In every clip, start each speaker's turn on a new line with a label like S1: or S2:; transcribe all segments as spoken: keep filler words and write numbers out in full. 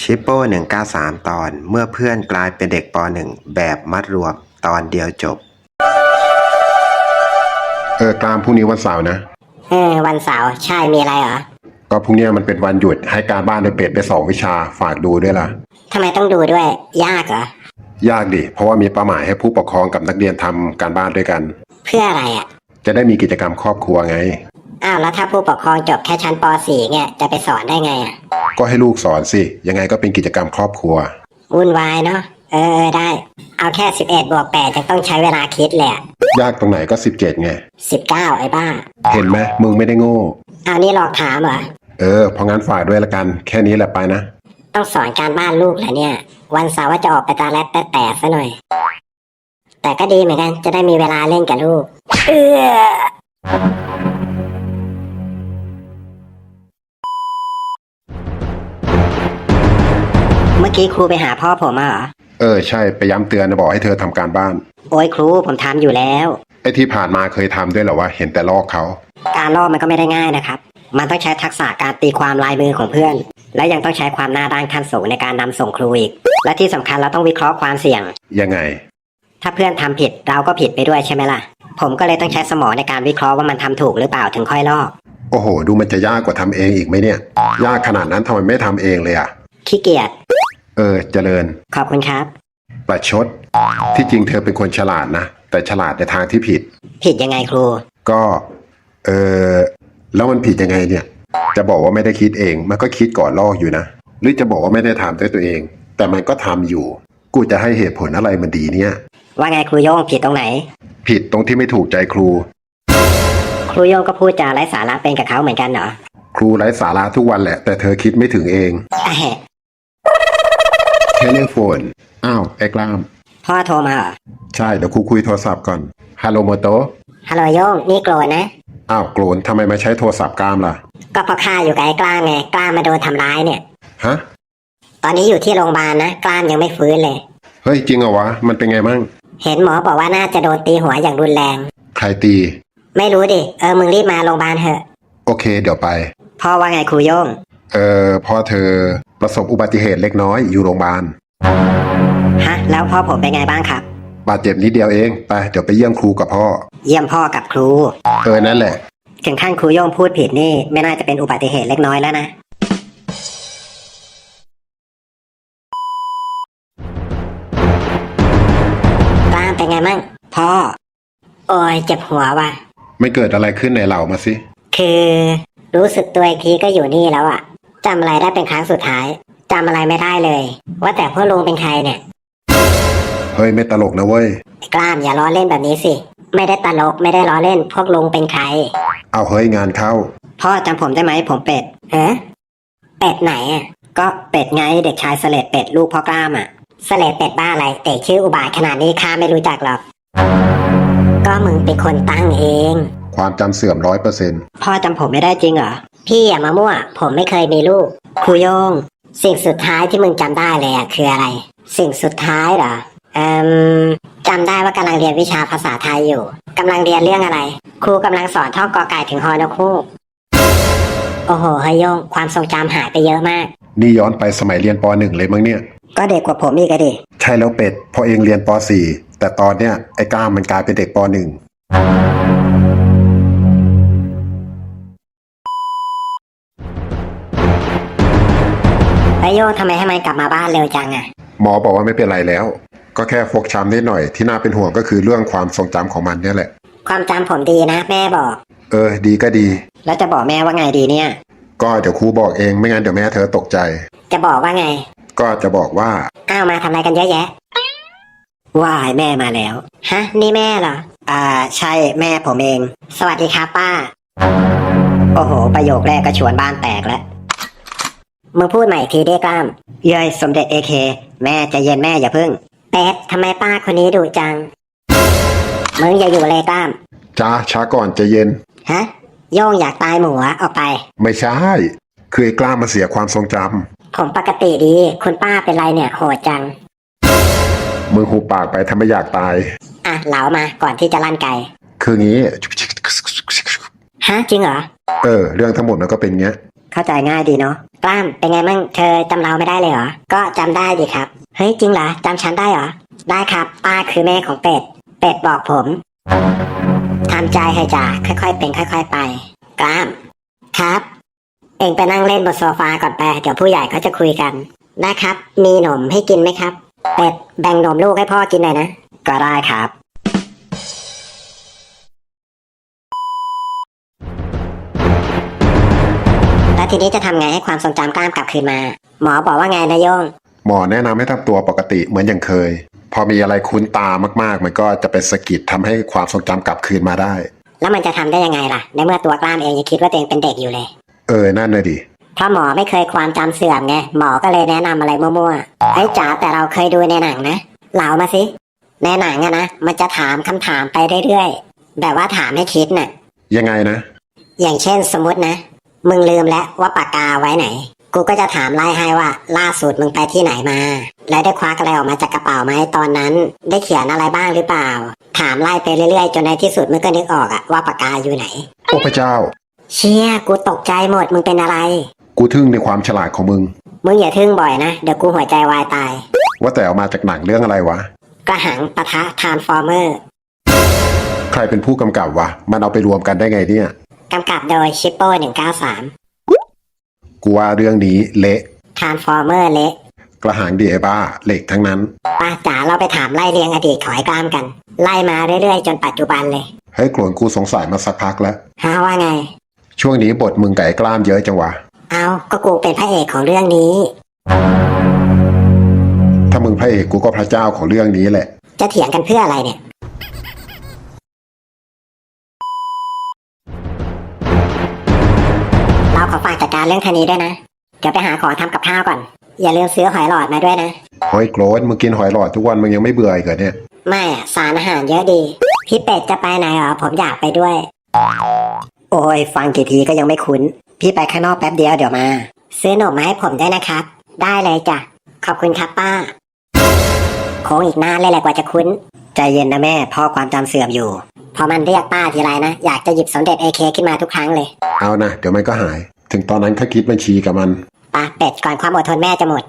S1: ชิปโป้หนึ่งเก้าสามตอนเมื่อเพื่อนกลายเป็นเด็กปหนึ่งแบบมัดรวมตอนเดียวจบ
S2: เออกลามพรุ่งนี้วันเสาร์นะ
S3: เออวันเสาร์ใช่มีอะไรเหรอ
S2: ก็พรุ่งนี้มันเป็นวันหยุดให้การบ้านโดยเป็ดไปสองวิชาฝากดูด้วยล่ะ
S3: ทำไมต้องดูด้วยยากเหร
S2: อยากดิเพราะว่ามีเป้าหมายให้ผู้ปกครองกับนักเรียนทำการบ้านด้วยกัน
S3: เพื่ออะไรอ่ะ
S2: จะได้มีกิจกรรมครอบครัวไง
S3: อ้าวแล้วถ้าผู้ปกครองจบแค่ชั้นป .สี่ เนี่ยจะไปสอนได้ไงอ่ะ
S2: ก็ให้ลูกสอนสิยังไงก็เป็นกิจกรรมครอบครัว
S3: วุ่นวายเนาะเออเออได้เอาแค่สิบเอ็ดบวกแปดจะต้องใช้เวลาคิดเลย
S2: ยากตรงไหนก็สิบเจ็ดไง
S3: สิบเก้าไอ้บ้า
S2: เห็นไหมมึงไม่ได้โง่
S3: เอานี่หลอกถามเหรอ
S2: เออเพราะงั้นฝากด้วยละกันแค่นี้แหละไปนะ
S3: ต้องสอนการบ้านลูกเหรอเนี่ยวันเสาร์ว่าจะออกไปตาแรดแต่แต่ซะหน่อยแต่ก็ดีเหมือนกันจะได้มีเวลาเล่นกับลูกเออเมื่อกี้ครูไปหาพ่อผมมาเหรอ
S2: เออใช่ไปย้ำเตือนนะบอกให้เธอทำการบ้าน
S3: โอ้ยครูผมทำอยู่แล้ว
S2: ไอ้ที่ผ่านมาเคยทำด้วยเหรอวะเห็นแต่ลอกเขา
S3: การลอกมันก็ไม่ได้ง่ายนะครับมันต้องใช้ทักษะการตีความลายมือของเพื่อนและยังต้องใช้ความหน้าด้านขั้นสูงในการนำส่งครูอีกและที่สำคัญเราต้องวิเคราะห์ความเสี่ยง
S2: ยังไง
S3: ถ้าเพื่อนทำผิดเราก็ผิดไปด้วยใช่ไหมล่ะผมก็เลยต้องใช้สมองในการวิเคราะห์ว่ามันทำถูกหรือเปล่าถึงค่อยลอก
S2: โอ้โหดูมันจะยากกว่าทำเองอีกไหมเนี่ยยากขนาดนั้นทำไมไม่ทำเองเลยอ่ะ
S3: ขี้เกียจ
S2: เออเจริญ
S3: ขอบคุณครับ
S2: ประชดที่จริงเธอเป็นคนฉลาดนะแต่ฉลาดในทางที่ผิด
S3: ผิดยังไงครู
S2: ก็เออแล้วมันผิดยังไงเนี่ยจะบอกว่าไม่ได้คิดเองมันก็คิดก่อนลอกอยู่นะหรือจะบอกว่าไม่ได้ทำด้วยตัวเองแต่มันก็ทำอยู่กูจะให้เหตุผลอะไรมันดีเนี่ย
S3: ว่าไงครูโย่งผิดตรงไหน
S2: ผิดตรงที่ไม่ถูกใจครู
S3: ครูโย่งก็พูดจาไร้สาระเป็นกับเขาเหมือนกันเหรอ
S2: ครูไร้สาระทุกวันแหละแต่เธอคิดไม่ถึงเองเทเลโฟนอ้าวไอ้กล้าม
S3: พ่อโทรมาเหรอ
S2: ใช่เดี๋ยวครูคุยโทรศัพท์ก่อนฮัลโหลโมโต
S3: ฮัลโหลโย่งนี่โกรธนะ
S2: อ้าวโกรธทำไมมาใช้โทรศัพท์กล้ามล่ะ
S3: ก็เพราะข้าอยู่กับไอ้กล้ามไงกล้ามมาโดนทำร้ายเนี่ย
S2: ฮะ
S3: ตอนนี้อยู่ที่โรงพยาบาลนะกล้ามยังไม่ฟื้นเลย
S2: เฮ้ยจริงเหรอวะมันเป็นไงมั่ง
S3: เห็นหมอบอกว่าน่าจะโดนตีหัวอย่างรุนแรง
S2: ใครตี
S3: ไม่รู้ดิเออมึงรีบมาโรงพยาบาลเถอะ
S2: โอเคเดี๋ยวไป
S3: พ่อว่าไงครูโย่ง
S2: เออพ่อเธอประสบอุบัติเหตุเล็กน้อยอยู่โรงพยาบาล
S3: ฮะแล้วพ่อผมเป็นไงบ้างครับ
S2: บาดเจ็บนิดเดียวเองไปเดี๋ยวไปเยี่ยมครูกับพ่อ
S3: เยี่ยมพ่อกับครู
S2: เออนั่นแหละ
S3: ถึงขั้นครูโย่งพูดผิดนี่ไม่น่าจะเป็นอุบัติเหตุเล็กน้อยแล้วนะกล้ามเป็นไงมั่งพ่อโอ้ยเจ็บหัวว่ะ
S2: ไม่เกิดอะไรขึ้นในเรามาสิ
S3: คือรู้สึกตัวอีกทีก็อยู่นี่แล้วอะจำอะไรได้เป็นครั้งสุดท้ายจำอะไรไม่ได้เลยว่าแต่พ่อลุงเป็นใครเนี่ย
S2: เฮ้ยไม่ตลกนะเว้ย
S3: กล้ามอย่าล้อเล่นแบบนี้สิไม่ได้ตลกไม่ได้ล้อเล่นพวกลุงเป็นใคร
S2: เอาเฮ้ยงานเข้า
S3: พ่อจำผมได้ไหมผมเป็ดเอ๊ะเป็ดไหนอ่ะก็เป็ดไงเด็กชายเสลดเป็ดลูกพ่อกล้ามอ่ะเสลดเป็ดบ้าอะไรเตะชื่ออุบาทขนาดนี้ข้าไม่รู้จักหรอกก็มึงเป็นคนตั้งเอง
S2: ความจำเสื่อมร้อยเปอร์เซ็นต์
S3: พ่อจำผมไม่ได้จริงเหรอพี่อย่ามามั่วผมไม่เคยมีลูกครูโยงสิ่งสุดท้ายที่มึงจำได้เลยอ่ะคืออะไรสิ่งสุดท้ายเหรอเอ่อจำได้ว่ากำลังเรียนวิชาภาษาไทยอยู่กำลังเรียนเรื่องอะไรครูกำลังสอนท่องกอไก่ถึงฮอนกฮูกโอ้โหเฮยโยงความทรงจำหายไปเยอะมาก
S2: นี่ย้อนไปสมัยเรียนป หนึ่ง เลยมั้งเนี่ย
S3: ก็เด็กกว่าผมอีกอะดิ
S2: ใช่แล้วเป็ดพอเองเรียนป สี่ แต่ตอนเนี้ยไอ้ก้ามมันกลายเป็นเด็กป หนึ่ง
S3: เฮยโยงทำไมให้มันกลับมาบ้านเร็วจังอะ
S2: หมอบอกว่าไม่เป็นไรแล้วก็แค่ฟกช้ำนิดหน่อยที่น่าเป็นห่วงก็คือเรื่องความทรงจำของมันเนี่ยแหละ
S3: ความจำผมดีนะแม่บอก
S2: เออดีก็ดี
S3: แล้วจะบอกแม่ว่าไงดีเนี่ย
S2: ก็เดี๋ยวครูบอกเองไม่งั้นเดี๋ยวแม่เธอตกใจ
S3: จะบอกว่าไง
S2: ก็จะบอกว่า
S3: อ้าวมาทำอะไรกันเยอะแยะว้ายแม่มาแล้วฮะนี่แม่เหรออ่าใช่แม่ผมเองสวัสดีครับป้าโอ้โหประโยคแรกก็ชวนบ้านแตกแล้วมึงพูดใหม่อีกทีได้กล้ามเย้ยสมเด็จเอเคแม่ใจเย็นแม่อย่าพึ่งเป็ดทำไมป้าคนนี้ดุจังมึงอย่าอยู่เลยกล้าม
S2: จ้าช้าก่อนใจเย็น
S3: ฮะโย่งอยากตายหมูออกไป
S2: ไม่ใช่คือไอ้กล้ามมาเสียความทรงจ
S3: ำผมปกติดีคุณป้าเป็นไรเนี่ยโหดจัง
S2: มึงหูปากไปถ้าไม่อยากตาย
S3: อ่ะเหลามาก่อนที่จะลั่นไก
S2: คืองี้
S3: ฮะจริงเหรอ
S2: เออเรื่องทั้งหมดมันก็เป็นเงี้ย
S3: เข้าใจง่ายดีเนาะกล้ามเป็นไงมั่งเธอจำเราไม่ได้เลยเหรอก็จำได้ดิครับเฮ้ยจริงเหรอจำฉันได้เหรอได้ครับป้าคือแม่ของเป็ดเป็ดบอกผมทำใจให้จ่าค่อยๆเป็นค่อย ๆ ไปกล้ามครับ เองไปนั่งเล่นบนโซฟาก่อนไปเดี๋ยวผู้ใหญ่เขาจะคุยกันนะครับมีหนมให้กินไหมครับเป็ดแบ่งหนมลูกให้พ่อกินหน่อยนะก็ได้ครับแล้วทีนี้จะทำไงให้ความทรงจำกล้ามกลับคืนมาหมอบอกว่าไงนายโยง
S2: หมอแนะนำให้ทำตัวปกติเหมือนอย่างเคย พอมีอะไรคุ้นตามากๆ มันก็จะเป็นสะกิดทำให้ความทรงจำกลับคืนมาได้
S3: แล้วมันจะทำได้ยังไงล่ะในเมื่อตัวกล้ามเองยังคิดว่าตัวเองเป็นเด็กอยู่เลย
S2: เออนั่นเลยดิ
S3: เพราะหมอไม่เคยความจำเสื่อมไงหมอก็เลยแนะนำอะไรมั่วๆไอ้จ๋าแต่เราเคยดูในหนังนะเล่ามาสิในหนังอะนะมันจะถามคำถามไปเรื่อยๆแบบว่าถามให้คิดน่ะ
S2: ยังไงนะ
S3: อย่างเช่นสมมตินะมึงลืมแล้วว่าปากกาไว้ไหนกูก็จะถามไล่ให้ว่าล่าสุดมึงไปที่ไหนมาแล้วได้ควักอะไรออกมาจากกระเป๋าไหมตอนนั้นได้เขียนอะไรบ้างหรือเปล่าถามไล่ไปเรื่อยๆจนในที่สุดมึงก็นึกออกอะว่าปากกาอยู่ไหน
S2: โอ้พระเจ้า
S3: เชี่ยกูตกใจหมดมึงเป็นอะไร
S2: กูทึ่งในความฉลาดของมึง
S3: มึงอย่าทึ่งบ่อยนะเดี๋ยวกูหัวใจวายตาย
S2: ว่าแต่เอามาจากหนังเรื่องอะไรวะ
S3: กระหังปะทะทรานส์ฟอร์เมอร์
S2: ใครเป็นผู้กำกับวะมันเอาไปรวมกันได้ไงเนี่ย
S3: กำกับโดยชิปโป้หนึ่งเก้าสาม
S2: กูว่าเรื่องนี้เละ
S3: ทรานส์ฟอร์เมอร์เละ
S2: กระหางดีไอ้บ้าเหล็กทั้งนั้น
S3: ป้าจ๋าเราไปถามไล่เรียงอดีตขอยกล้ามกัน ไล่มาเรื่อยๆจนปัจจุบันเลย
S2: เฮ้ยโกรนกูสงสัยมาสักพักแล้ว
S3: ฮะว่าไง
S2: ช่วงนี้บทมึงไก่กล้ามเยอะจังวะ
S3: เอาก็กูเป็นพระเอกของเรื่องนี้
S2: ถ้ามึงพระเอกกูก็พระเจ้าของเรื่องนี้แหละ
S3: จะเถียงกันเพื่ออะไรเนี่ยเราขอฝากจัดการเรื่องคันนี้ด้วยนะเดี๋ยวไปหาของทำกับข้าวก่อนอย่าลืมซื้อหอยหลอดมาด้วยนะ
S2: เฮ้ยโกรนมึงกินหอยหลอดทุกวันมึงยังไม่เบื่ออีกเหรอเนี่ย
S3: ไม่อะสารอาหารเยอะดีพี่เป็ดจะไปไหนเหรอผมอยากไปด้วยโอ้ยฟังกี่ทีก็ยังไม่คุ้นพี่ไปข้างนอกแป๊บเดียวเดี๋ยวมาซื้อหนมมาให้ผมได้นะครับได้เลยจ้ะขอบคุณครับป้าโค้งอีกนานเลยแหละกว่าจะคุ้นใจเย็นนะแม่พ่อความจำเสื่อมอยู่พอมันเรียกป้าทีไรนะอยากจะหยิบสมเด็จเอเคขึ้นมาทุกครั้งเลย
S2: เอานะเดี๋ยวมันก็หาย ถึงตอนนั้นข้าคิดบัญชีกับมัน
S3: ป้าเป็ดก่อนความอดทนแม่จะหมด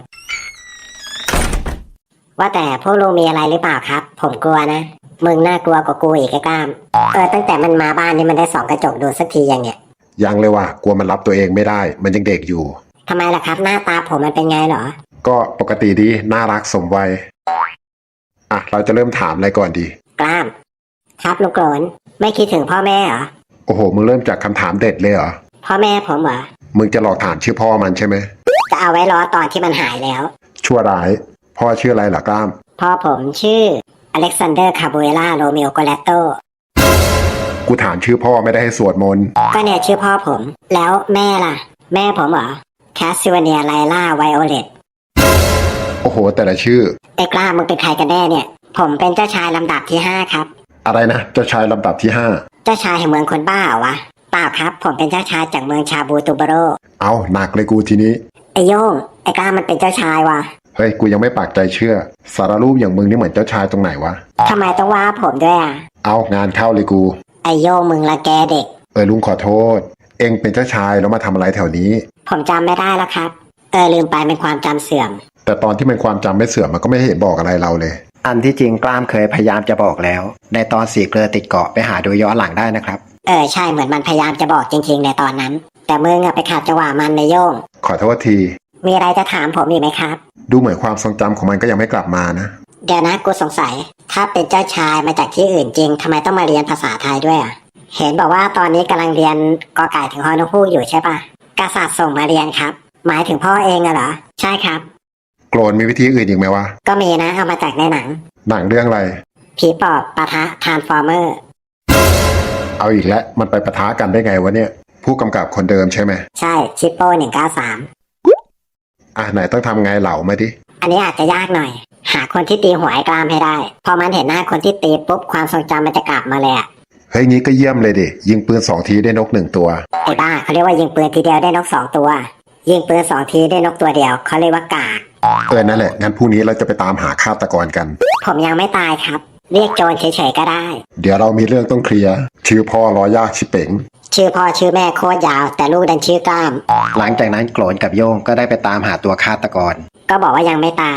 S3: ว่าแต่พวกลุงมีอะไรหรือเปล่าครับผมกลัวนะมึงน่ากลัวกว่ากูอีกไอ้กล้ามเออตั้งแต่มันมาบ้านนี่มันได้ส่องกระจกดูสักทียังเนี่ย
S2: ยังเลยว่ะกลัวมันรับตัวเองไม่ได้ มันยังเด็กอยู่
S3: ทำไมล่ะครับหน้าตาผมมันเป็นไงเหรอ
S2: ก็ปกติดีน่ารักสมวัยอ่ะเราจะเริ่มถามอะไรก่อนดี
S3: กล้ามครับลุงโกรนไม่คิดถึงพ่อแม่เหรอ
S2: โอ้โหมึงเริ่มจากคำถามเด็ดเลยเหรอ
S3: พ่อแม่ผมเหรอ
S2: มึงจะหลอกถามชื่อพ่อมันใช่ไหม
S3: จะเอาไว้รอตอนที่มันหายแล้ว
S2: ชั่วร้ายพ่อชื่ออะไรล่ะกล้าม
S3: พ่อผมชื่ออเล็กซานเดอร์คาโบเอล่าโรเมโอโกเลตโต
S2: กูถามชื่อพ่อไม่ได้ให้สวดมนต์
S3: ก็เนี่ยชื่อพ่อผม แล้วแม่ล่ะ แม่ผมเหรอแคสซิวเนียไลล่าไวโอเลต
S2: โอ้โหแต่ละชื่อ
S3: ไอ้กล้ามึงเป็นใครกันแน่เนี่ย ผมเป็นเจ้าชายลำดับที่ห้าครับ
S2: อะไรนะเจ้าชายลำดับที่ห้า
S3: เจ้าชายแห่งเมืองคนบ้าเหรอวะเปล่าครับ ผมเป็นเจ้าชายจากเมืองชาบูตูบาโร
S2: เอาหนักเลยกูทีนี้
S3: ไอ้โย่งไอ้กล้ามันเป็นเจ้าชายวะ
S2: เฮ้ยกูยังไม่ปากใจเชื่อ สารรูปอย่างมึงนี่เหมือนเจ้าชายตรงไหนวะ
S3: ทำไมต้องว่าผมด้วยอ่ะ
S2: เอางานเข้าเลยกู
S3: ไอ้โย่งมึงละแกเด็ก
S2: เออลุงขอโทษ เองเป็นเจ้าชายแล้วมาทำอะไรแถวนี้
S3: ผมจำไม่ได้แล้วครับ เออลืมไปเป็นความจำเสื่อม
S2: แต่ตอนที่มันความจำไม่เสื่อมมันก็ไม่เห็นบอกอะไรเราเลย
S1: อันที่จริงกล้ามเคยพยายามจะบอกแล้ว ในตอนสีเกลือติดเกาะไปหาดูย้อนหลังได้นะครับ
S3: เออใช่เหมือนมันพยายามจะบอกจริงๆในตอนนั้น แต่มึงอะไปขาดจังหวะมันในโย่ง
S2: ขอโทษที
S3: มีอะไรจะถามผมอีกไหมครับ
S2: ดูเหมือนความทรงจำของมันก็ยังไม่กลับมานะ
S3: เดี๋ยวนะกูสงสัย ถ้าเป็นเจ้าชายมาจากที่อื่นจริงทำไมต้องมาเรียนภาษาไทยด้วยอ่ะเห็นบอกว่าตอนนี้กำลังเรียนกอไก่ถึงฮอนกฮูกอยู่ใช่ปะกษัตริย์ส่งมาเรียนครับ หมายถึงพ่อเองอะเหรอใช่ครับ
S2: โกรนมีวิธีอื่นอีกไหมวะ
S3: ก็มีนะเอามาจากในหนัง
S2: หนังเรื่องอะไร
S3: ผีปอบปะทะทรานส์ฟอร์เมอร์
S2: เอาอีกแล้วมันไปปะทะกันได้ไงวะเนี่ย ผู้กำกับคนเดิมใช่ไหม
S3: ใช่ชิปโป้หนึ่งเก้าสาม
S2: อ่ะไหนต้องทำไงเหล่ามาดิ
S3: อันนี้อาจจะยากหน่อย หาคนที่ตีหัวไอ้กล้ามให้ได้ พอมันเห็นหน้าคนที่ตีปุ๊บความทรงจำมันจะกลับมาเลยอะ
S2: เฮ้ยงี้ก็เยี่ยมเลยดิยิงปืนสองทีได้นกหนึ่งตัว
S3: ไอ้บ้าเขาเรียกว่ายิงปืนทีเดียวได้นกสองตัว ยิงปืนสองทีได้นกตัวเดียวเขาเรียกว่ากาก
S2: เออนั่นแหละงั้นพรุ่งนี้เราจะไปตามหาฆาตกรกัน
S3: ผมยังไม่ตายครับเรียกโจรเฉยๆก็ได้
S2: เดี๋ยวเรามีเรื่องต้องเคลียร์ชื่อพ่อรอยากชิเป๋ง
S3: ชื่อพ่อชื่อแม่โคตรยาว แต่ลูกดันชื่อกล้าม
S1: หลังจากนั้นโกรนกับโย่งก็ได้ไปตามหาตัวฆาตกร
S3: ก็บอกว่ายังไม่ตาย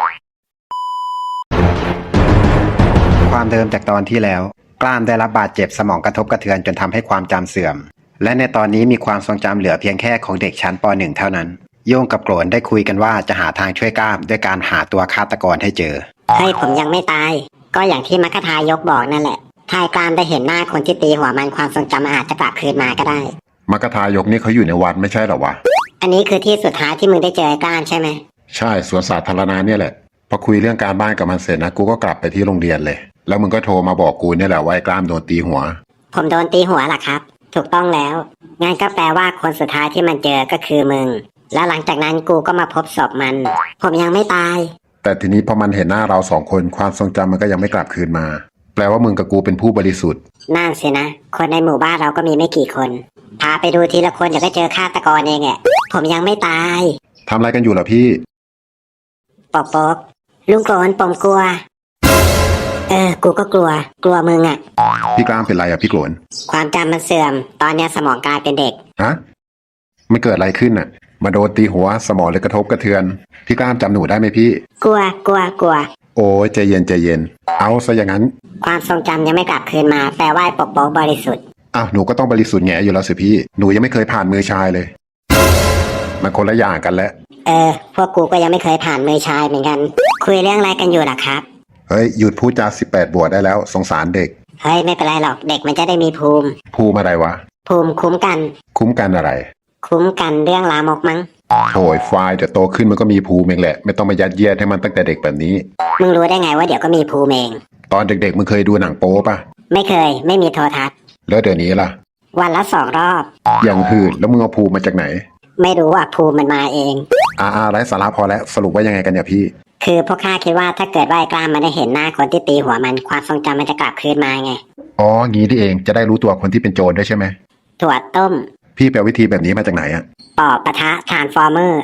S1: ความเดิมจากตอนที่แล้ว กล้ามได้รับบาดเจ็บสมองกระทบกระเทือนจนทำให้ความจำเสื่อม และในตอนนี้มีความทรงจำเหลือเพียงแค่ของเด็กชั้นป .หนึ่ง เท่านั้น โย่งกับโกรนได้คุยกันว่าจะหาทางช่วยกล้ามด้วยการหาตัวฆาตกรให้เจอ
S3: เฮ้ยผมยังไม่ตาย ก็อย่างที่มัคคทายกบอกนั่นแหละ ถ้าไอ้กล้ามได้เห็นหน้าคนที่ตีหัวมันความทรงจำอาจจะกลับคืนมาก็ได้
S2: มัคคทายกนี่เขาอยู่ในวัดไม่ใช่เหรอวะ
S3: อันนี้คือที่สุดท้ายที่มึงได้เจอไอ้กล้ามใช่ไหม
S2: ใช่สวนสาธารณะเนี่ยแหละพอคุยเรื่องการบ้านกับมันเสร็จนะกูก็กลับไปที่โรงเรียนเลย แล้วมึงก็โทรมาบอกกูเนี่ยแหละว่าไอ้กล้ามโดนตีหัว
S3: ผมโดนตีหัวล่ะครับ ถูกต้องแล้วงั้นก็แปลว่าคนสุดท้ายที่มันเจอก็คือมึง แล้วหลังจากนั้นกูก็มาพบศพมัน ผมยังไม่ตาย
S2: แต่ทีนี้พอมันเห็นหน้าเราสองคนความทรงจำมันก็ยังไม่กลับคืนมา แปลว่ามึงกับกูเป็นผู้บริสุทธิ์
S3: นั่นสินะ คนในหมู่บ้านเราก็มีไม่กี่คน พาไปดูทีละคนเดี๋ยวก็เจอฆาตกรเองแหละผมยังไม่ตาย
S2: ทำอะไรกันอยู่เหรอพี่
S3: ปอกปอกลุงโกรนผมกลัว เออ กูก็กลัว กลัวมึงอะ
S2: พี่กล้ามเป็นไรอ่ะพี่โกรน
S3: ความจำมันเสื่อม ตอนเนี้ยสมองกลายเป็นเด็ก
S2: ฮะไม่เกิดอะไรขึ้นอ่ะ มาโดนตีหัวสมองเลยกระทบกระเทือน พี่กล้ามจำหนูได้ไหมพี่
S3: กลัว กลัว กลัว
S2: โอ้ยใจเย็นใจเย็น เอาซะอย่างนั้น
S3: ความทรงจำยังไม่กลับคืนมา แปลว่าปกป้องบริสุทธิ์
S2: อ้าวหนูก็ต้องบริสุทธิ์แง่อยู่แล้วสิพี่ หนูยังไม่เคยผ่านมือชายเลย มันคนละอย่างกันแล้ว
S3: เออ พวกกูก็ยังไม่เคยผ่านมือชายเหมือนกัน คุยเรื่องอะไรกันอยู่ล่ะครับ
S2: เฮ้ยหยุดพูดจาสิบแปดบวกได้แล้วสงสารเด็ก
S3: เฮ้ยไม่เป็นไรหรอก เด็กมันจะได้มีภูมิ
S2: ภูมิอะไรวะ
S3: ภูมิคุ้มกัน
S2: คุ้มกันอะไร
S3: คุ้มกันเรื่องลามกมั้ง
S2: โถ่ไฟล์เดี๋ยวโตขึ้นมันก็มีภูมิเองแหละ ไม่ต้องมายัดเยียดให้มันตั้งแต่เด็กแบบนี้
S3: มึงรู้ได้ไงว่าเดี๋ยวก็มีภูมิเอง
S2: ตอนเด็กๆมึงเคยดูหนังโป๊ปะ
S3: ไม่เคย ไม่มีโทรทัศน์
S2: แล้วเดี๋ยวนี้ล่ะ
S3: วันละสองรอบ
S2: อย่างหืดแล้วมึงเอาภูมิมาจากไหน
S3: ไม่รู้ว่าภูมิมันมาเอง
S2: อาอาไร้สาระพอแล้วสรุปว่ายังไงกันเนี่ยพี่
S3: คือพวกข้าคิดว่าถ้าเกิดว่าไอ้กล้ามมันได้เห็นหน้าคนที่ตีหัวมันความทรงจำมันจะกลับคืนมาไง
S2: อ๋องี้ที่เองจะได้รู้ตัวคนที่เป็นโจรด้วยใช่ไหม
S3: ถั่วต้ม
S2: พี่ไปเอาวิธีแบบนี้มาจากไหนอะ
S3: ปอบปะทะทรานส์ฟอร์เมอร์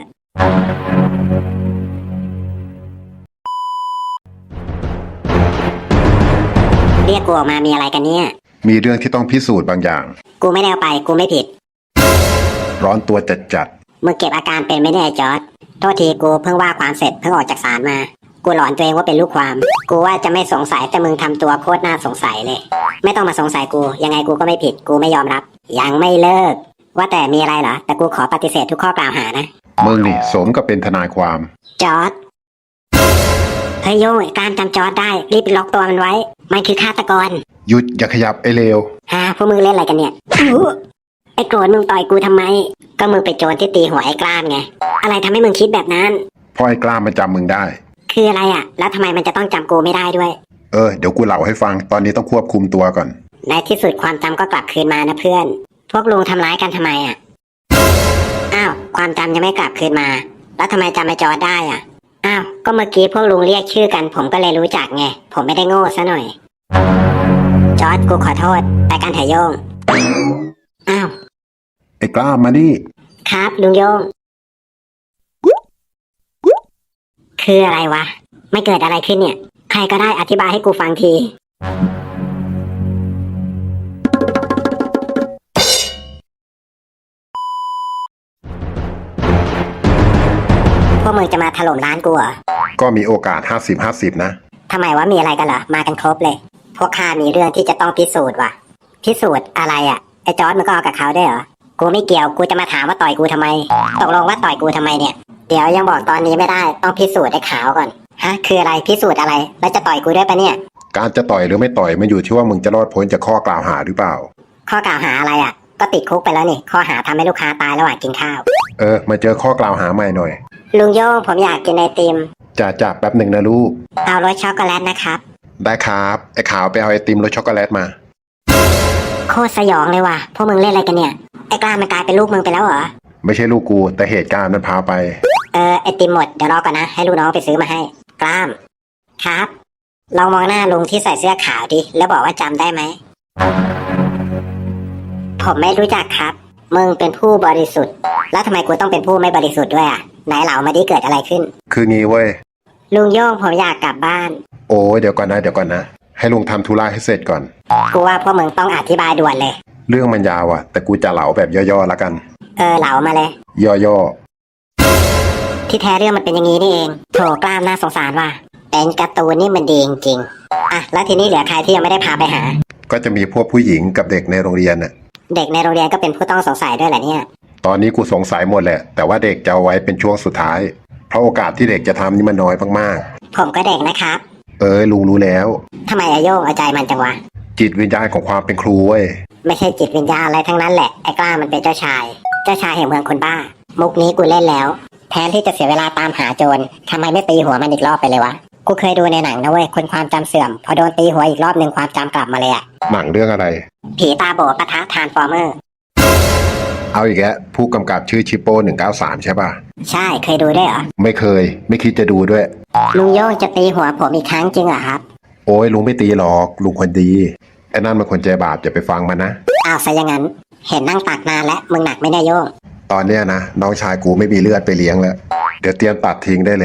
S3: เรียกกูออกมามีอะไรกันเนี่ย
S2: มีเรื่องที่ต้องพิสูจน์บางอย่าง
S3: กูไม่ได้เอาไป กูไม่ผิด
S2: ร้อนตัวจัดจัด
S3: มึงเก็บอาการเป็นไม่ได้ไอ้จอร์ดโทษทีกูเพิ่งว่าความเสร็จเพิ่งออกจากศาลมา กูหลอนตัวเองว่าเป็นลูกความ กูว่าจะไม่สงสัยแต่มึงทำตัวโคตรน่าสงสัยเลย ไม่ต้องมาสงสัยกู ยังไงกูก็ไม่ผิด กูไม่ยอมรับ ยังไม่เลิก ว่าแต่มีอะไรเหรอ แต่กูขอปฏิเสธทุกข้อกล่าวหานะ
S2: มึงนี่สมกับเป็นทนายความ
S3: จอร์ดเฮ้ยโย่งการจำจอร์ดได้ รีบล็อกตัวมันไว้ มันคือฆาตกร
S2: หยุดอย่าขยับไอ้เลว
S3: ฮะพวกมึงเล่นอะไรกันเนี่ยอู้ไอ้โกรธมึงต่อยกูทำไม ก็มึงไปโจรที่ตีหัวไอ้กล้ามไง อะไรทำให้มึงคิดแบบนั้น
S2: พ่อไอ้กล้ามันจำมึงได้
S3: คืออะไรอ่ะ แล้วทำไมมันจะต้องจำกูไม่ได้ด้วย
S2: เออเดี๋ยวกูเล่าให้ฟังตอนนี้ต้องควบคุมตัวก่อน
S3: ในที่สุดความจำก็กลับคืนมานะเพื่อน พวกลุงทำร้ายกันทำไมอ่ะ อ้าวความจำยังไม่กลับคืนมา แล้วทำไมจำไอ้จอร์ดได้อ่ะ อ้าวก็เมื่อกี้พวกลุงเรียกชื่อกัน ผมก็เลยรู้จักไง ผมไม่ได้โง่ซะหน่อย จอร์ดกูขอโทษไปกันเถอะโยง อ้าว
S2: ไอ้กล้ามานี่
S3: ครับลุงโยง คืออะไรวะ ไม่เกิดอะไรขึ้นเนี่ย ใครก็ได้อธิบายให้กูฟังที พวกมึงจะมาถล่มร้านกูเหรอ
S2: ก็มีโอกาสห้าสิบห้าสิบนะ
S3: ทำไมวะมีอะไรกันเหรอ มากันครบเลย พวกข้ามีเรื่องที่จะต้องพิสูจน์ว่ะ พิสูจน์อะไรอ่ะ ไอ้จอร์ดมึงก็เอากับเขาได้วยเหรอ กูไม่เกี่ยว กูจะมาถามว่าต่อยกูทำไม ตกลงว่าต่อยกูทำไมเนี่ย เดี๋ยวยังบอกตอนนี้ไม่ได้ ต้องพิสูจน์ไอ้ขาวก่อน ฮะ คืออะไร พิสูจน์อะไร แล้วจะต่อยกูด้วยปะเนี่ย
S2: การจะต่อยหรือไม่ต่อยมันอยู่ที่ว่ามึงจะรอดพ้นจากข้อกล่าวหาหรือเปล่า
S3: ข้อกล่าวหาอะไรอ่ะ ก็ติดคุกไปแล้วนี่ ข้อหาทำให้ลูกค้าตายระหว่างกินข้าว
S2: เออมาเจอข้อกล่าวหาใหม่หน่อย
S3: ลุงโย่งผมอยากกินไอติม
S2: จ่าจ่าแป๊บหนึ่งนะลูก
S3: เอารสช็อกโกแลตนะครับ
S2: ได้ครับไอ้ขาวไปเอาไอติมรสช็อกโกแลตมา
S3: โคตรสยองเลยว่ะ พวกมึงเล่นอะไรกันเนี่ย ไอ้กล้ามันกลายเป็นลูกมึงไปแล้วเหรอ
S2: ไม่ใช่ลูกกูแต่เหตุการณ์มันพาไป
S3: เออไอติมหมด เดี๋ยวรอก่อนนะ ให้ลูกน้องไปซื้อมาให้ กล้าม ครับ ลองมองหน้าลุงที่ใส่เสื้อขาวดิ แล้วบอกว่าจำได้ไหม ผมไม่รู้จักครับ มึงเป็นผู้บริสุทธิ์ แล้วทำไมกูต้องเป็นผู้ไม่บริสุทธิ์ด้วยอ่ะ ไหนเหล่ามาดิเกิดอะไรขึ้น
S2: คืองี้เว้ย
S3: ลุงโย่งผมอยากกลับบ้าน
S2: โอ้ยเดี๋ยวก่อนนะเดี๋ยวก่อนนะให้ลุงทำธุระให้เสร็จก่อน
S3: กูว่าพวกมึงต้องอธิบายด่วนเลย
S2: เรื่องมันยาวอะแต่กูจะเหลาแบบย่อๆแล้วกัน
S3: เออเหลามาเลย
S2: ย่อ
S3: ที่แท้เรื่องมันเป็นอย่างนี้นี่เองโถกล้ามน่าสงสารว่ะเป็นการ์ตูนนี่มันดีจริงๆอ่ะแล้วทีนี้เหลือใครที่ยังไม่ได้พาไปหา
S2: ๆก็จะมีพวกผู้หญิงกับเด็กในโรงเรียนน่ะ
S3: เด็กในโรงเรียนก็เป็นผู้ต้องสงสัยด้วยแหละเนี่ย
S2: ตอนนี้กูสงสัยหมดแหละ แต่ว่าเด็กจะเอาไว้เป็นช่วงสุดท้าย เพราะโอกาสที่เด็กจะทำนี่มันน้อยมาก
S3: ผมก็เด็กนะครับ
S2: ๆ เอ้ยลุงรู้แล้ว
S3: ทำไมอาโยงเอาใจมันจังวะ
S2: จิตวิญญาณของความเป็นครูเว้ย
S3: ไม่ใช่จิตวิญญาณอะไรทั้งนั้นแหละไอ้กล้ามันเป็นเจ้าชาย เจ้าชายแห่งเมืองคนบ้า มุกนี้กูเล่นแล้ว แทนที่จะเสียเวลาตามหาโจรทำไมไม่ตีหัวมันอีกรอบไปเลยวะกูเคยดูในหนังนะเว้ยคนความจำเสื่อมพอโดนตีหัวอีกรอบหนึ่งความจำกลับมาเลยอะ
S2: หนังเรื่องอะไร
S3: ผีตาโบปะทะทรานส์ฟอร์เมอร์
S2: เอาอีกแล้วผู้กำกับชื่อชิปโป้หนึ่งเก้าสามใช่ป่ะ
S3: ใช่เคยดูด้วยเหรอ
S2: ไม่เคย ไม่คิดจะดูด้วย
S3: ลุงโย่งจะตีหัวผมอีกครั้งจริงเหรอครับ
S2: โอ้ยลุงไม่ตีหรอกลุงคนดีไอ้นั่นมันคนใจบาปอย่าไปฟังมันนะ
S3: อ้าวซะอย่างนั้น เห็นนั่งตักนานแล้วมึงหนักไม่ได้โย่ง
S2: ตอนเนี้ยนะน้องชายกูไม่มีเลือดไปเลี้ยงแล้ว เดี๋ยวเตรียมตัดทิ้งได้เลย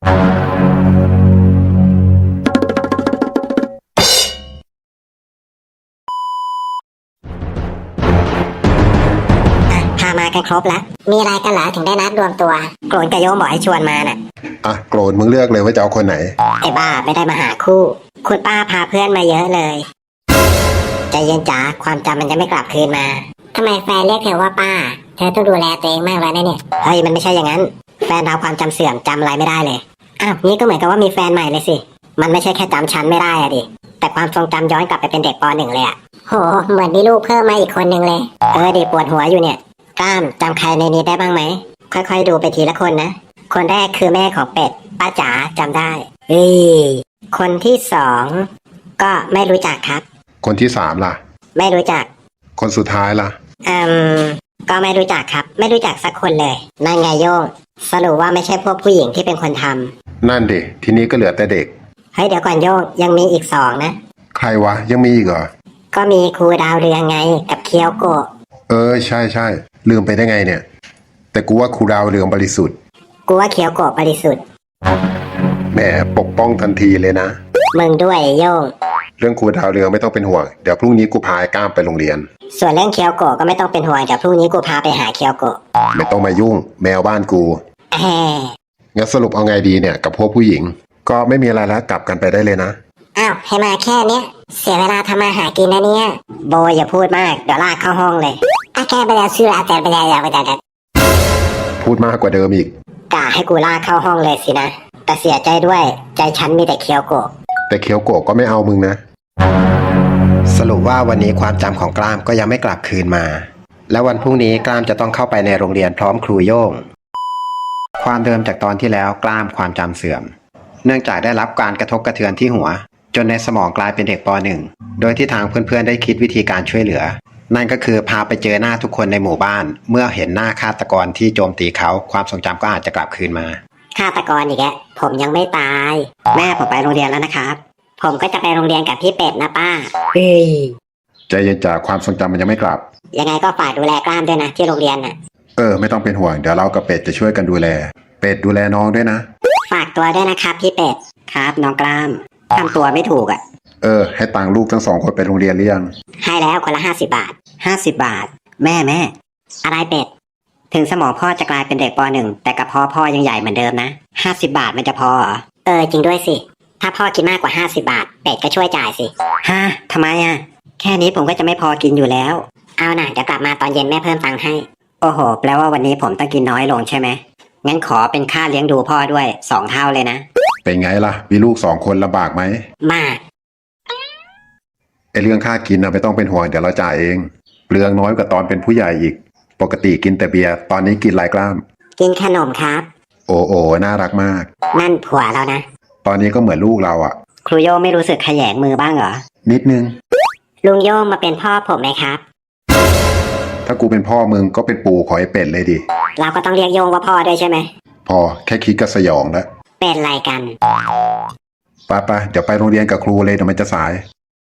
S3: อ่ะพามากันครบแล้ว มีอะไรกันเหรอถึงได้นัดรวมตัวโกรนกับโย่งบอกให้ชวนมาน่ะ
S2: อ่ะโกรธมึงเลือกเลยว่าจะเอาคนไหน
S3: ไอ้บ้าไม่ได้มาหาคู่ คุณป้าพาเพื่อนมาเยอะเลยใจเย็นจ๋าความจำมันจะไม่กลับคืนมาทำไมแฟนเรียกเธอว่าป้า เธอต้องดูแลตัวเองมากแล้วนะเนี่ยเฮ้ยมันไม่ใช่อย่างนั้น แฟนเราความจำเสื่อมจำอะไรไม่ได้เลยอ้าวนี่ก็เหมือนกับว่ามีแฟนใหม่เลยสิมันไม่ใช่แค่จำฉันไม่ได้อะดิแต่ความทรงจำย้อนกลับไปเป็นเด็กปหนึ่งเลยอะโหเหมือนมีลูกเพิ่มมาอีกคนนึงเลยเออดิปวดหัวอยู่เนี่ยกล้ามจำใครในนี้ได้บ้างไหมค่อยๆดูไปทีละคนนะคนแรกคือแม่ของเป็ดป้าจ๋าจำได้เอ้ยคนที่สองก็ไม่รู้จักครับ
S2: คนที่สามล่ะ
S3: ไม่รู้จัก
S2: คนสุดท้ายล่ะ
S3: อืมก็ไม่รู้จักครับ ไม่รู้จักสักคนเลยนั่นไงโยงสรุปว่าไม่ใช่พวกผู้หญิงที่เป็นคนทำ
S2: นั่นดิทีนี้ก็เหลือแต่เด็ก
S3: เฮ้ยเดี๋ยวก่อนโยงยังมีอีกสองนะ
S2: ใครวะยังมีอีกเหรอ
S3: ก็มีครูดาวเรืองไงกับเคียวโกะ
S2: เออใช่ใช่ลืมไปได้ไงเนี่ย แต่กูว่าครูดาวเรืองบริสุทธิ์
S3: กูว่าเคียวโกะบริสุทธิ์
S2: แหมปกป้องทันทีเลยนะ
S3: มึงด้วยโยง
S2: เรื่องครูดาวเรืองไม่ต้องเป็นห่วงเดี๋ยวพรุ่งนี้กูพาไอ้ก้ามไปโรงเรียน
S3: ส่วนเรื่องเคียวโกะก็ไม่ต้องเป็นห่วงเดี๋ยวพรุ่งนี้กูพาไปหาเคียวโกะ
S2: ไม่ต้องมายุ่ง แมวบ้านกู
S3: แหม
S2: งั้นสรุปเอาไงดีเนี่ยกับพวกผู้หญิง ก็ไม่มีอะไรแล้วกลับกันไปได้เลยนะ
S3: อ้าวให้มาแค่เนี้ยเสียเวลาทำมาหากินนะเนี่ยโบอย่าพูดมากเดี๋ยวลากเข้าห้องเลยอาแกไปแล้วชื่ออาจารย์ไปแล้วอย่าไปแต่
S2: พูดมากกว่าเดิมอีก
S3: กะให้กูลากเข้าห้องเลยสินะแต่เสียใจด้วยใจฉันมีแต่เคียวโกะ
S2: แต่เคียวโกะก็ไม่เอามึงนะ
S1: สรุปว่าวันนี้ความจำของกล้ามก็ยังไม่กลับคืนมา และวันพรุ่งนี้กล้ามจะต้องเข้าไปในโรงเรียนพร้อมครูโย่งความเดิมจากตอนที่แล้วกล้ามความจำเสื่อม เนื่องจากได้รับการกระทบกระเทือนที่หัว จนในสมองกลายเป็นเด็กป .หนึ่ง โดยที่ทางเพื่อนๆได้คิดวิธีการช่วยเหลือ นั่นก็คือพาไปเจอหน้าทุกคนในหมู่บ้าน เมื่อเห็นหน้าฆาตกรที่โจมตีเขาความทรงจำก็อาจจะกลับคืนมาฆาตกรอีกแล้วผมยังไม่ตาย แม่ผมไปโรงเรียนแล้วนะครับผมก็จะไปโรงเรียนกับพี่เป็ดนะป้าเฮ้ย
S2: ใจเย็นจากความทรงจำมันยังไม่กลับ
S3: ยังไงก็ฝากดูแลกล้ามด้วยนะที่โรงเรียนน่ะ
S2: เออไม่ต้องเป็นห่วงเดี๋ยวเรากับเป็ดจะช่วยกันดูแล เป็ดดูแลน้องด้วยนะ
S3: ฝากตัวด้วยนะครับพี่เป็ดครับน้องกล้ามทำตัวไม่ถูกอ่ะ
S2: เออให้ตังค์ลูกทั้งสองคนไปโรงเรียนหรือยัง
S3: ให้แล้วคนละห้าสิบบาทห้าสิบบาท แม่แม่อะไรเป็ดถึงสมองพ่อจะกลายเป็นเด็กป .หนึ่ง แต่กระเพาะพ่อยังใหญ่เหมือนเดิมนะห้าสิบบาทมันจะพอเหรอเออจริงด้วยสิถ้าพ่อกินมากกว่าห้าสิบบาทเป็ดก็ช่วยจ่ายสิฮะทำไมอ่ะแค่นี้ผมก็จะไม่พอกินอยู่แล้วเอาน่ะเดี๋ยวกลับมาตอนเย็นแม่เพิ่มตังค์ให้โอ้โหแปลว่าวันนี้ผมต้องกินน้อยลงใช่ไหมงั้นขอเป็นค่าเลี้ยงดูพ่อด้วยสองเท่าเลยนะ
S2: เป็นไงล่ะมีลูกสองคนลำบากไหม
S3: มาก
S2: ไอเรื่องค่ากินนะไม่ต้องเป็นห่วงเดี๋ยวเราจ่ายเองเปลืองน้อยกว่าตอนเป็นผู้ใหญ่อีกปกติกินแต่เบียร์ตอนนี้กินหลายกล้าม
S3: กินขนมครับ
S2: โอ้โอ้น่ารักมาก
S3: นั่นผัวเรานะ
S2: ตอนนี้ก็เหมือนลูกเราอ่ะ
S3: ครูโยงไม่รู้สึกขยงมือบ้างเหรอ
S2: นิดนึง
S3: ลุงโยงมาเป็นพ่อผมไหมครับ
S2: ถ้ากูเป็นพ่อมึงก็เป็นปู่ขอไอ้เป็ดเลยดิ
S3: เราก็ต้องเรียกโยงว่าพ่อด้วยใช่ไหม
S2: พอแค่คิดก็สยองแล้ว
S3: เป็นไรกัน
S2: ไปไปเดี๋ยวไปโรงเรียนกับครูเลยเดี๋ยวมันจะสาย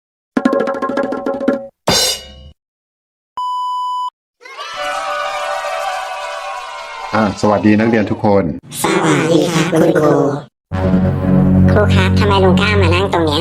S2: อ่าสวัสดีนักเรียนทุกคน
S3: สวัสดีครับคุณครู ครูครับทำไมลุงกล้ามานั่งตรงเนี้ย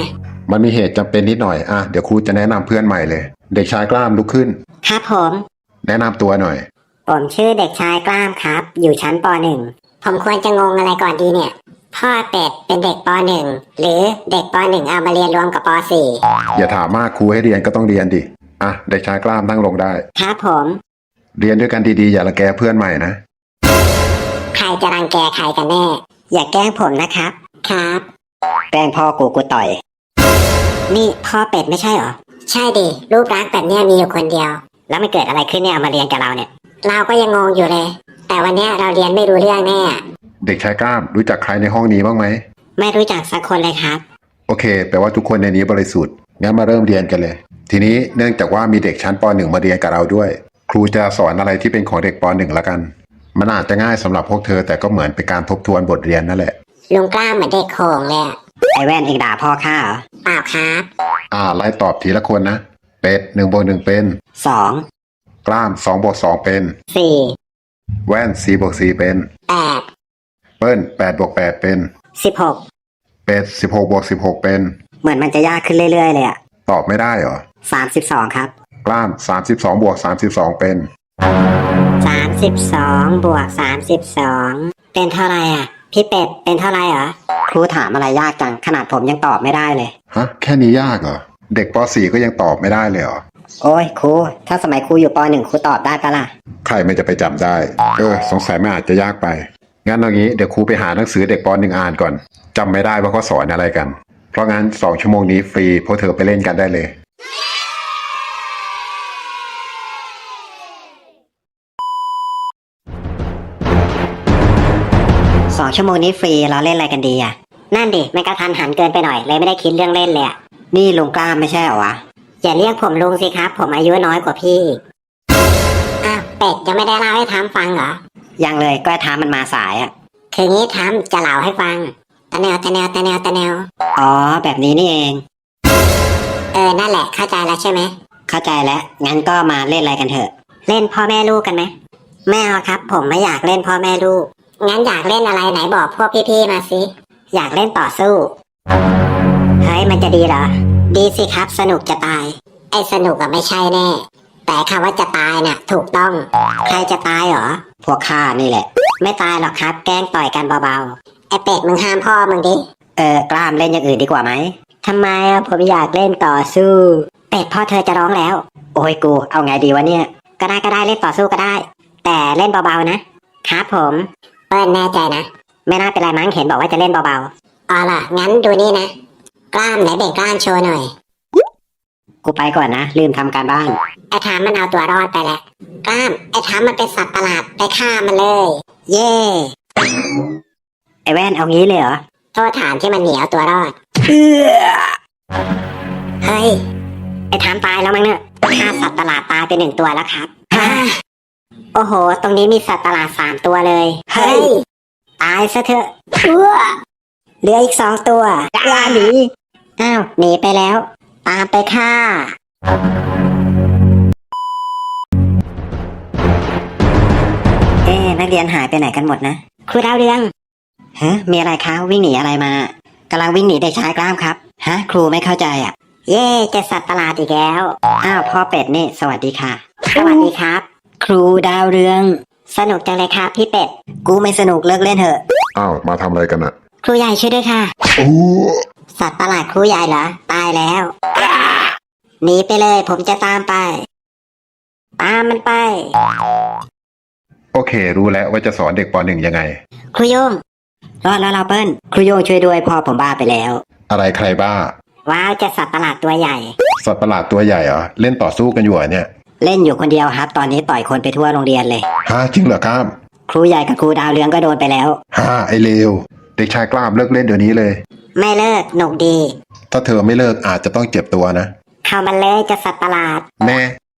S2: มันมีเหตุจำเป็นนิดหน่อยอ่ะเดี๋ยวครูจะแนะนำเพื่อนใหม่เลย เด็กชายกล้ามลุกขึ้น
S3: ครับผม
S2: แนะนำตัวหน่อย
S3: ผมชื่อเด็กชายกล้ามครับ อยู่ชั้นป .หนึ่ง ผมควรจะงงอะไรก่อนดีเนี่ย พ่อเป็ดเป็นเด็กป .หนึ่ง หรือเด็กป .หนึ่ง เอามาเรียนรวมกับป .สี่
S2: อย่าถามมากครูให้เรียนก็ต้องเรียนดิอ่ะเด็กชายกล้ามนั่งลงได้
S3: ครับผม
S2: เรียนด้วยกันดีๆอย่าละแกเพื่อนใหม่นะ
S3: ใครจะรังแกใครกันแน่ อย่าแกล้งผมนะครับ ครับ แกล้งพ่อกูกูต่อย นี่พ่อเป็ดไม่ใช่เหรอ ใช่ดิ รูปรักษณ์แบบเนี้ยมีอยู่คนเดียว แล้วมันเกิดอะไรขึ้นเนี่ยเอามาเรียนกับเราเนี่ย เราก็ยังงงอยู่เลย แต่วันเนี้ยเราเรียนไม่รู้เรื่องแน่
S2: เด็กชายกล้ามรู้จักใครในห้องนี้บ้างไหม
S3: ไม่รู้จักสักคนเลยครับ
S2: โอเคแปลว่าทุกคนในนี้บริสุทธิ์งั้นมาเริ่มเรียนกันเลย ทีนี้เนื่องจากว่ามีเด็กชั้นป .หนึ่ง มาเรียนกับเราด้วย ครูจะสอนอะไรที่เป็นของเด็กป .หนึ่ง ละกัน มันอาจจะง่ายสำหรับพวกเธอแต่ก็เหมือนเป็นการทบทวนบทเรียนนั่นแหละ
S3: ลุงกล้าเหมือนเด็กโขงเลยอะไอแว่นเองด่าพ่อข้าเหรอเปล่าครับ
S2: อ่าไล่ตอบทีละคนนะเป็ดหนึ่งบวกหนึ่งเป็น
S3: สอง
S2: กล้ามสองบวกสองเป็น
S3: สี่
S2: แว่นสี่บวกสี่เป็น
S3: แปด
S2: เปิ้ลแปดบวกแปดเป็น
S3: สิบหก
S2: เป็ดสิบหกบวกสิบหกเป็น
S3: เหมือนมันจะยากขึ้นเรื่อยๆเลยอะ
S2: ตอบไม่ได้เหรอ
S3: สามสิบสองครับ
S2: กล้ามสามสิบสองบวกสามสิบสองเป็น
S3: สามสิบสองบวกสามสิบสองเป็นเท่าไรอะพี่เป็ดเป็นเท่าไรเหรอครูถามอะไรยากจังขนาดผมยังตอบไม่ได้เลย
S2: ฮะแค่นี้ยากเหรอเด็กป .สี่ ก็ยังตอบไม่ได้เลยเหรอ
S3: โอ้ยครูถ้าสมัยครูอยู่ป .หนึ่ง ครูตอบได้ปะล่ะ
S2: ใครไม่จะไปจำได้ เออ สงสัยไม่อาจจะยากไป งั้นเอางี้เดี๋ยวครูไปหาหนังสือเด็กป .หนึ่ง อ่านก่อน จำไม่ได้ว่าเขาสอนอะไรกัน เพราะงั้นสองชั่วโมงนี้ฟรีพวกเธอไปเล่นกันได้เลย
S3: สองชั่วโมงนี้ฟรีเราเล่นอะไรกันดีอ่ะ นั่นดิมันกระทันหันเกินไปหน่อยเลยไม่ได้คิดเรื่องเล่นเลยอ่ะ นี่ลุงกล้ามไม่ใช่เหรอวะ อย่าเรียกผมลุงสิครับ ผมอายุน้อยกว่าพี่อ้าวเป็ดยังไม่ได้เล่าให้ทำฟังเหรอ ยังเลยก็ทำมันมาสายอ่ะ คืองี้ทำจะเล่าให้ฟังตะแนวตะแนวตะแนวตะแนวอ๋อแบบนี้นี่เอง เออนั่นแหละเข้าใจแล้วใช่ไหมเข้าใจแล้วงั้นก็มาเล่นอะไรกันเถอะ เล่นพ่อแม่ลูกกันไหมไม่เอาครับ ผมไม่อยากเล่นพ่อแม่ลูก งั้นอยากเล่นอะไรไหนบอกพวกพี่ๆมาสิ อยากเล่นต่อสู้ เฮ้ยมันจะดีเหรอ ดีสิครับสนุกจะตาย ไอ้สนุกอะไม่ใช่แน่ แต่คำว่าจะตายน่ะ ถูกต้อง ใครจะตายเหรอ พวกข้านี่แหละ ไม่ตายหรอกครับ แกล้งต่อยกันเบาๆ ไอ้เป็ดมึงห้ามพ่อมึงดิ เออกล้ามเล่นอย่างอื่นดีกว่าไหมทำไมอะผมอยากเล่นต่อสู้ เป็ดพ่อเธอจะร้องแล้ว โอ้ยกูเอาไงดีวะเนี่ย ก็ได้ก็ได้เล่นต่อสู้ก็ได้ แต่เล่นเบาๆนะครับผมเปิ้ลแน่ใจนะ ไม่น่าเป็นไรมั้งเห็นบอกว่าจะเล่นเบาๆอ๋อล่ะงั้นดูนี่นะ กล้ามไหนเบ่งกล้ามโชว์หน่อย กูไปก่อนนะลืมทำการบ้าน ไอ้ทามมันเอาตัวรอดไปแล้วกล้ามไอ้ทามมันเป็นสัตว์ประหลาดไปฆ่ามันเลย เย่ไอ้แว่นเอางี้เลยเหรอโทษฐานที่มันเหนียวตัวรอดเอื้อเฮ้ยไอ้ทามตายแล้วมั้งเนี่ยฆ่าสัตว์ประหลาดตายไปหนึ่งตัวแล้วครับฮ่าโอ้โหตรงนี้มีสัตว์ประหลาดสามตัวเลยเฮ้ยตายซะเถอะเอื้อเหลืออีกสองตัวอย่าหนีอ้าวหนีไปแล้ว ตามไปฆ่าเอ๊ะนักเรียนหายไปไหนกันหมดนะครูดาวเรืองฮะมีอะไรคะวิ่งหนีอะไรมากำลังวิ่งหนีเด็กชายกล้ามครับฮะครูไม่เข้าใจอ่ะ เย่เจะสัตว์ประหลาดอีกแล้วอ้าวพ่อเป็ดนี่สวัสดีค่ะ สวัสดีครับ ครูดาวเรือง สนุกจังเลยครับพี่เป็ดกูไม่สนุกเลิกเล่นเถอะ
S2: อ้าวมาทำอะไรกันอะ
S3: ครูใหญ่ช่วยด้วยค่ะ
S2: โอ้
S3: สัตว์ประหลาดครูใหญ่เหรอตายแล้วหนีไปเลยผมจะตามไป ตามมันไป
S2: โอเค รู้แล้วว่าจะสอนเด็กป .หนึ่ง ยังไง
S3: ครูโยงรอดแล้วเราเปิ้ลครูโยงช่วยด้วยพ่อผมบ้าไปแล้ว
S2: อะไรใครบ้า
S3: ว้าวเจะสัตว์ประหลาดตัวใหญ่
S2: สัตว์ประหลาดตัวใหญ่เหรอเล่นต่อสู้กันอยู่เหรอเนี่ย
S3: เล่นอยู่คนเดียวครับ ตอนนี้ต่อยคนไปทั่วโรงเรียนเลย
S2: ฮะจริงเหรอกล้าม
S3: ครูใหญ่กับครูดาวเรืองก็โดนไปแล้ว
S2: ฮะไอเลวเด็กชายกล้ามเลิกเล่นเดี๋ยวนี้เลย
S3: ไม่เลิกหนุกดี
S2: ถ้าเธอไม่เลิกอาจจะต้องเจ็บตัวนะ
S3: เข้ามันเลยเจะสัตว์ประหลาด
S2: แน่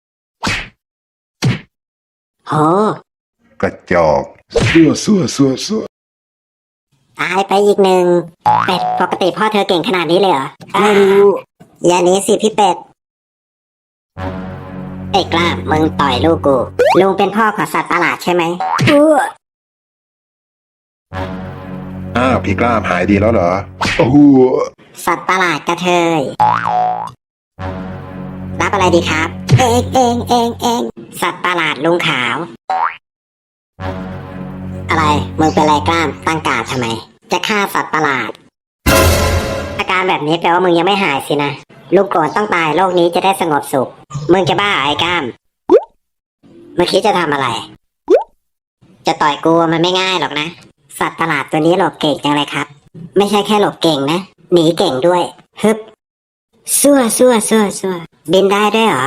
S3: โห
S2: กระจอกซัวซัวซัวซัว
S3: ตายไปอีกหนึ่งเป็ดปกติพ่อเธอเก่งขนาดนี้เลยเหรอไม่รู้อย่าหนี้สิพี่เป็ดไอ้กล้ามึงต่อยลูกกูลุงเป็นพ่อของสัตว์ประหลาดใช่ไหมอู้
S2: อ้าวพี่กล้ามหายดีแล้วเหรอโอ้โห
S3: สัตว์ประหลาดกระเทย รับอะไรดีครับ เองเองเองเองสัตว์ประหลาดลุงขาว อะไร มึงเป็นไรกล้าม ตั้งการดทำไม จะฆ่าสัตว์ประหลาด อาการแบบนี้แปลว่ามึงยังไม่หายสินะ ลุงโกรธต้องตายโลกนี้จะได้สงบสุข มึงจะบ้าไอ้กล้าม เมื่อกี้จะทำอะไร จะต่อยกูมันไม่ง่ายหรอกนะ สัตว์ประหลาดตัวนี้หลบเก่งจังเลยครับ ไม่ใช่แค่หลบเก่งนะ หนีเก่งด้วย ฮึบซั่วซั่วซั่วซั่วบินได้ด้วยเหรอ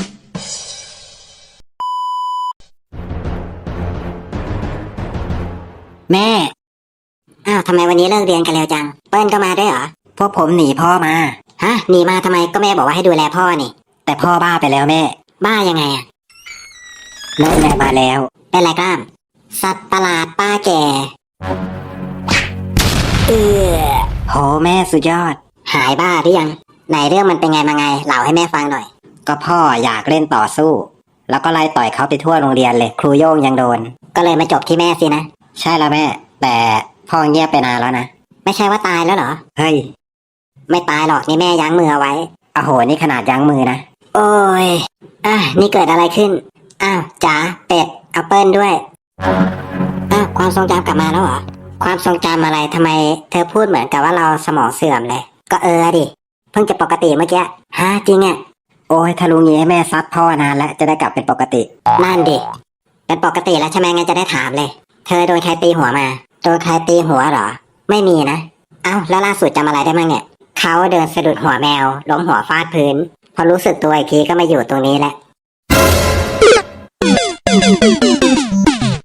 S3: แม่ อ้าวทำไมวันนี้เลิกเรียนกันเร็วจัง เปิ้ลก็มาด้วยเหรอ พวกผมหนีพ่อมา ฮะ หนีมาทำไมก็แม่บอกว่าให้ดูแลพ่อนี่ แต่พ่อบ้าไปแล้วแม่ บ้ายังไงอะนั่นแหละมาแล้ว เป็นไรกล้าม สัตว์ประหลาดป้าแก่เออโหแม่สุดยอด หายบ้าหรือยัง ไหนเรื่องมันเป็นไงมาไงเล่าให้แม่ฟังหน่อย ก็พ่ออยากเล่นต่อสู้ แล้วก็ไล่ต่อยเขาไปทั่วโรงเรียนเลย ครูโย่งยังโดน ก็เลยมาจบที่แม่สินะ ใช่แล้วแม่ แต่พ่อเงียบไปนานแล้วนะ ไม่ใช่ว่าตายแล้วเหรอ เฮ้ย ไม่ตายหรอกนี่แม่ยั้งมือเอาไว้โอ้โหนี่ขนาดยั้งมือนะ โอ้ยอ่ะนี่เกิดอะไรขึ้น อ้าวจ๋าเป็ดเอาเปิ้ลด้วยอ้าวความทรงจำกลับมาแล้วเหรอ ความทรงจำอะไรทำไมเธอพูดเหมือนกับว่าเราสมองเสื่อมเลย ก็เออดิ เพิ่งจะปกติเมื่อกี้ฮะจริงอ่ะ โอ้ยถ้ารู้งี้ให้แม่ซัดพ่อนานแล้วจะได้กลับเป็นปกติ นั่นดิ เป็นปกติแล้วใช่ไหมงั้นจะได้ถามเลย เธอโดนใครตีหัวมา โดนใครตีหัวเหรอ ไม่มีนะ เอ้าแล้วล่าสุดจำอะไรได้มั้งเนี่ย เขาเดินสะดุดหัวแมวล้มหัวฟาดพื้น พอรู้สึกตัวอีกทีก็มาอยู่ตรงนี้แหละ